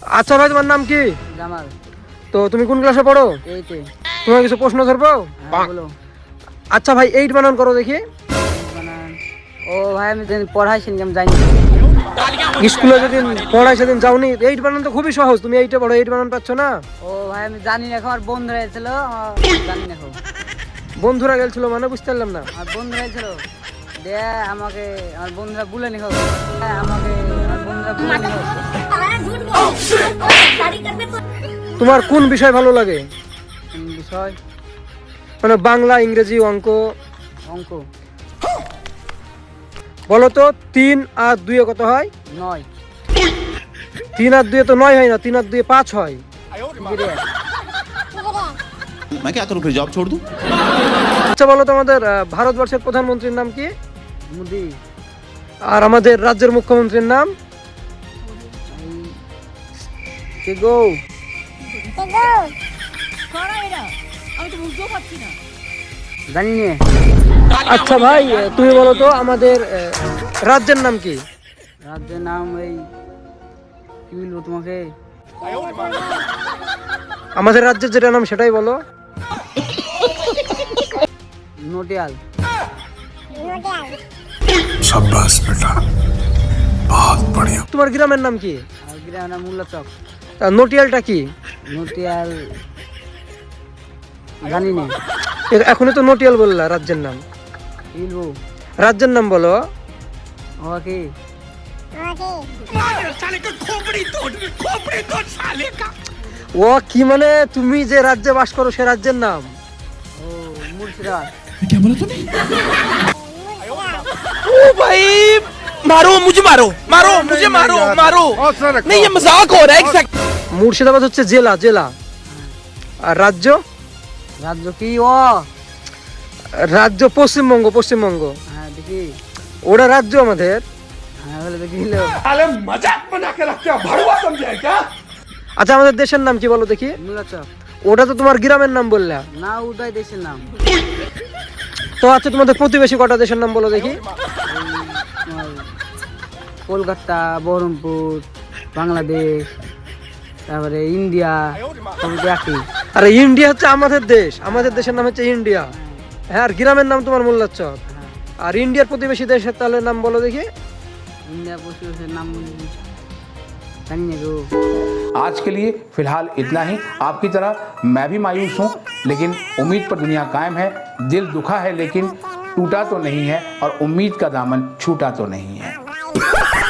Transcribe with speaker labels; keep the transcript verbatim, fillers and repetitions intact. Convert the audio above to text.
Speaker 1: আচ্ছা ভাই, তোমার নাম কি?
Speaker 2: জামাল।
Speaker 1: তো তুমি কোন ক্লাসে পড়ো?
Speaker 2: এইটে।
Speaker 1: তোমার কিছু প্রশ্ন ধরবো?
Speaker 2: হ্যাঁ, বলো।
Speaker 1: আচ্ছা ভাই, এইট বানান করো দেখি।
Speaker 2: বানান। ও ভাই, আমি যেদিন পড়াইছি আমি জানি।
Speaker 1: স্কুলে যেদিন পড়াই সেদিন যাওনি? এইট বানান তো খুবই সহজ, তুমি এইটে পড়ো, এইট বানান পাচ্ছ না?
Speaker 2: ও ভাই, আমি জানি না, এখন আমার বন্ধুরা এসেছিল, আমার জানি না এখন।
Speaker 1: বন্ধুরা গেছিল মানে বুঝতে পারলাম না।
Speaker 2: আমার বন্ধুরা এসেছিল, দে আমাকে আমার বন্ধুরা বলে নি হোক, আমাকে আমার বন্ধুরা বলে নি হোক।
Speaker 1: তোমার কোন বিষয় ভালো লাগে?
Speaker 2: কোন বিষয়?
Speaker 1: মানে বাংলা, ইংরেজি, অঙ্ক?
Speaker 2: অঙ্ক।
Speaker 1: বলো তো, তিন আর দুয়ে কত হয়?
Speaker 2: নয়।
Speaker 1: তিন আর দুয়ে তো নয় হয় না, তিন আর দুয়ে পাঁচ হয়।
Speaker 3: मैं क्या करूं फिर, जॉब छोड़ दूं?
Speaker 1: আচ্ছা বলো তো, আমাদের আহ, ভারতবর্ষের প্রধানমন্ত্রীর নাম কি?
Speaker 2: মোদি।
Speaker 1: আর আমাদের রাজ্যের মুখ্যমন্ত্রীর নাম?
Speaker 2: কে গো? জানি না।
Speaker 1: আচ্ছা ভাই, আহ, তুমি বলো তো, আমাদের আহ, রাজ্যের নাম কি?
Speaker 2: রাজ্যের নাম এই কি বলবো তোমাকে?
Speaker 1: আমাদের রাজ্যের যেটা নাম সেটাই বলো।
Speaker 2: নোটিয়াল।
Speaker 4: शाबाश बेटा, बहुत बढ़िया।
Speaker 1: তোমার গ্রামের নাম কি?
Speaker 2: আর গ্রামের নাম মুল্লাচক।
Speaker 1: আর নটিয়ালটা কি?
Speaker 2: নোটিয়াল জানি না।
Speaker 1: এ- এখনই তো নটিয়াল বললা রাজ্যের নাম।
Speaker 2: কি বলবো?
Speaker 1: রাজ্যের নাম বলো।
Speaker 2: ও কি?
Speaker 1: ও কি মানে, তুমি যে রাজ্যে বাস করো সে রাজ্যের নাম?
Speaker 2: ও মুর্শিদাবাদ।
Speaker 4: क्या बोला तूने?
Speaker 5: ओ भाई, मारो मुझे, मारो मारो मुझे, मारो मारो। नहीं, ये मजाक हो रहा है। एक सेकंड।
Speaker 1: মুর্শিদাবাদ হচ্ছে জেলা, জেলা। আর রাজ্য?
Speaker 2: রাজ্য কি? ও
Speaker 1: রাজ্য পশ্চিমবঙ্গ, পশ্চিমবঙ্গ।
Speaker 2: হ্যাঁ দেখি।
Speaker 1: ওটা রাজ্য আমাদের।
Speaker 2: হ্যাঁ বলে দেখি লো।
Speaker 5: साले मजाक बना के रखते हो, भड़वा समझे है क्या?
Speaker 1: আচ্ছা আমাদের দেশের নাম কি বলো দেখি?
Speaker 2: মুল্লাচক।
Speaker 1: ওটা তো তোমার গ্রামের নাম বললা।
Speaker 2: না, উদয় দেশের নাম।
Speaker 1: তো আচ্ছা, তোমাদের প্রতিবেশী কটা দেশের নাম বলো দেখি?
Speaker 2: তোমার কলকাতা, বহরমপুর, বাংলাদেশ, তারপরে ইন্ডিয়া, সব একই।
Speaker 1: আরে ইন্ডিয়া হচ্ছে আমাদের দেশ, আমাদের দেশের নাম হচ্ছে ইন্ডিয়া। হ্যাঁ, আর গ্রামের নাম তোমার মোল্লাচক। আর ইন্ডিয়ার প্রতিবেশী দেশের তাহলে নাম বলো দেখি?
Speaker 2: ইন্ডিয়া পশ্চিমের নাম জানি না গো।
Speaker 6: आज के लिए फिलहाल इतना ही। आपकी तरह मैं भी मायूस हूँ, लेकिन उम्मीद पर दुनिया कायम है। दिल दुखा है लेकिन टूटा तो नहीं है, और उम्मीद का दामन छूटा तो नहीं है।